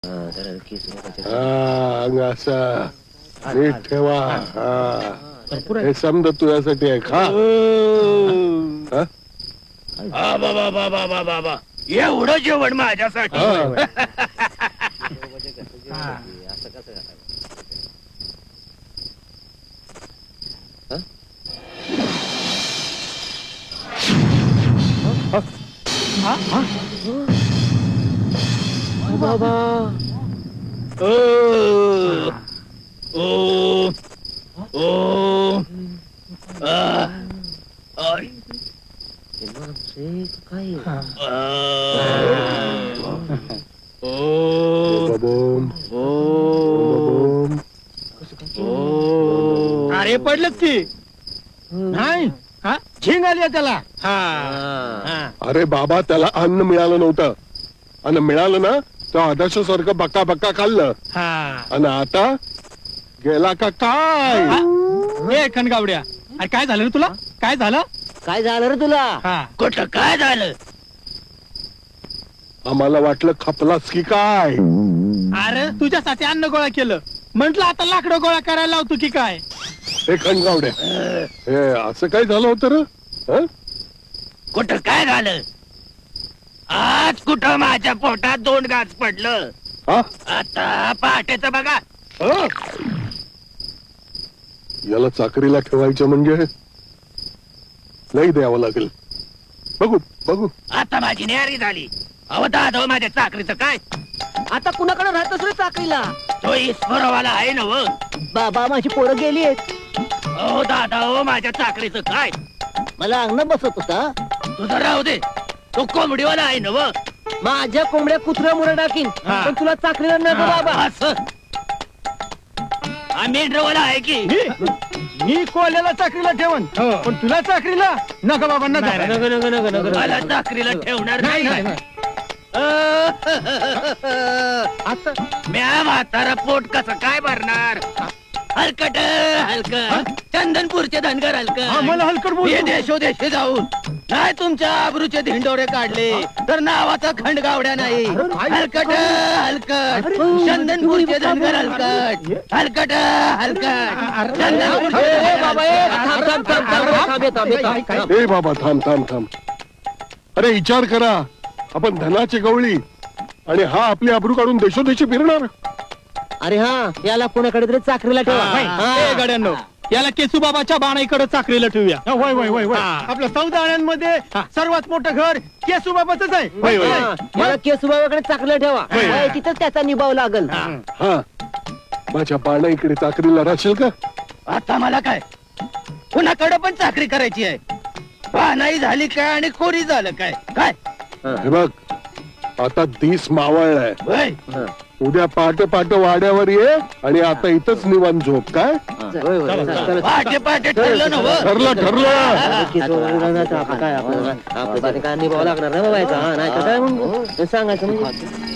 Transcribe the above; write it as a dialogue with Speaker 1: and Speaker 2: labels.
Speaker 1: अंग असा नीट ठेवा. हे समज तुझ्यासाठी आहे. खा.
Speaker 2: बाबा बाबा बाबा बाबा एवढं जेवण माझ्यासाठी.
Speaker 3: बाबा
Speaker 2: ओ ओ ओ
Speaker 4: अरे पडलं की नाही. हा झिंग आली त्याला.
Speaker 1: अरे बाबा त्याला अन्न मिळालं नव्हतं. अन्न मिळालं ना तर आदर्शासारखं बक्का बक्का खाल्लं. आणि आता गेला का काय?
Speaker 4: ए खणगावड्या, अरे काय झालं रे तुला? काय झालं?
Speaker 3: काय झालं रे तुला?
Speaker 2: कुठं काय झालं?
Speaker 1: आम्हाला वाटलं खपलास की काय.
Speaker 4: अरे तुझ्यासाठी अन्न गोळा केलं, म्हंटल आता लाकडं गोळा करायला लावतो की काय.
Speaker 1: हे खणगावड्या, हे असं काय झालं होतं रे?
Speaker 2: कुठं काय झालं? आज कुठं माझ्या पोटात 2 गाज पडलं. आता पहाटेच बघा.
Speaker 1: याला चाकरीला ठेवायचं म्हणजे लई द्यावं लागेल. बघू बघू.
Speaker 2: आता माझी न्यारी झाली. अहो दादा माझ्या चाकरीचं काय?
Speaker 3: आता कुणाकडे राहतोस रे चाकरीला?
Speaker 2: तो ईश्वरवाला आहे ना व.
Speaker 3: बाबा माझी पोरं गेली आहेत.
Speaker 2: अहो दादा हो माझ्या चाकरीचं काय?
Speaker 3: मला अंगण बसवत होता.
Speaker 2: तुझं राहू दे, तो कोंबडीवाला आहे ना व.
Speaker 3: माझ्या कोंबड्या कुत्र्या मुळे टाकीन, पण तुला चाकरीला नको बाबा.
Speaker 2: असं मेंढरवाला आहे की.
Speaker 4: मी कोल्याला चाकरीला ठेवन, पण तुला चाकरीला नका बाबा. नका
Speaker 2: मला चाकरीला ठेवणार नाही.
Speaker 4: आता
Speaker 2: म्या म्हातारा पोट कसं काय भरणार? हलकट हलकट चंदनपूरचे धनगर
Speaker 4: हा, मला हलकट बोल.
Speaker 2: हे देशोदेशी जाऊन नाही तुमच्या आबरूचे धिंडोरे काढले तर नावाचा खंडगावड्या नाही. हलकट हलकट चंदनपूरचे धनगर हलकट हलकट हलकट
Speaker 1: ए बाबा थांब थांब थांब. अरे विचार करा, आपण धनाची गवळी आणि हा आपली आबरू काढून देशोदेशी फिरणार.
Speaker 3: अरे हा, याला कोणाकडे तरी चाकरीला ठेवा.
Speaker 4: गड्यांनो, याला केसूबाबाच्या बाणाईकडे चाकरीला ठेवूया. होय होय होय होय. आपलं 14 आण्यांमध्ये सर्वात मोठं घर केसूबाबाच आहे.
Speaker 3: मला केसूबाबाकडे चाकरीला ठेवा. तिथंच त्याचा निभाव लागल.
Speaker 1: हा, माझ्या बाणा इकडे चाकरीला राहशील का?
Speaker 2: आता मला काय कुणाकडे पण चाकरी करायची आहे. पानाई झाली काय आणि खोरी झालं काय? काय
Speaker 1: हे बघ, आता दिस मावळलाय.
Speaker 2: होय?
Speaker 1: उद्या पहाटे पहाटे वाड्यावर ये आणि आता इथंच निवांत झोप. काय
Speaker 2: पहाटे पहाटे ठरलं ना व.
Speaker 1: ठरलं ठरलं.
Speaker 3: काय आपल्याला काय निभाव लागणार ना बाबायचा. नाही तर काय म्हणतो सांगायचं म्हणजे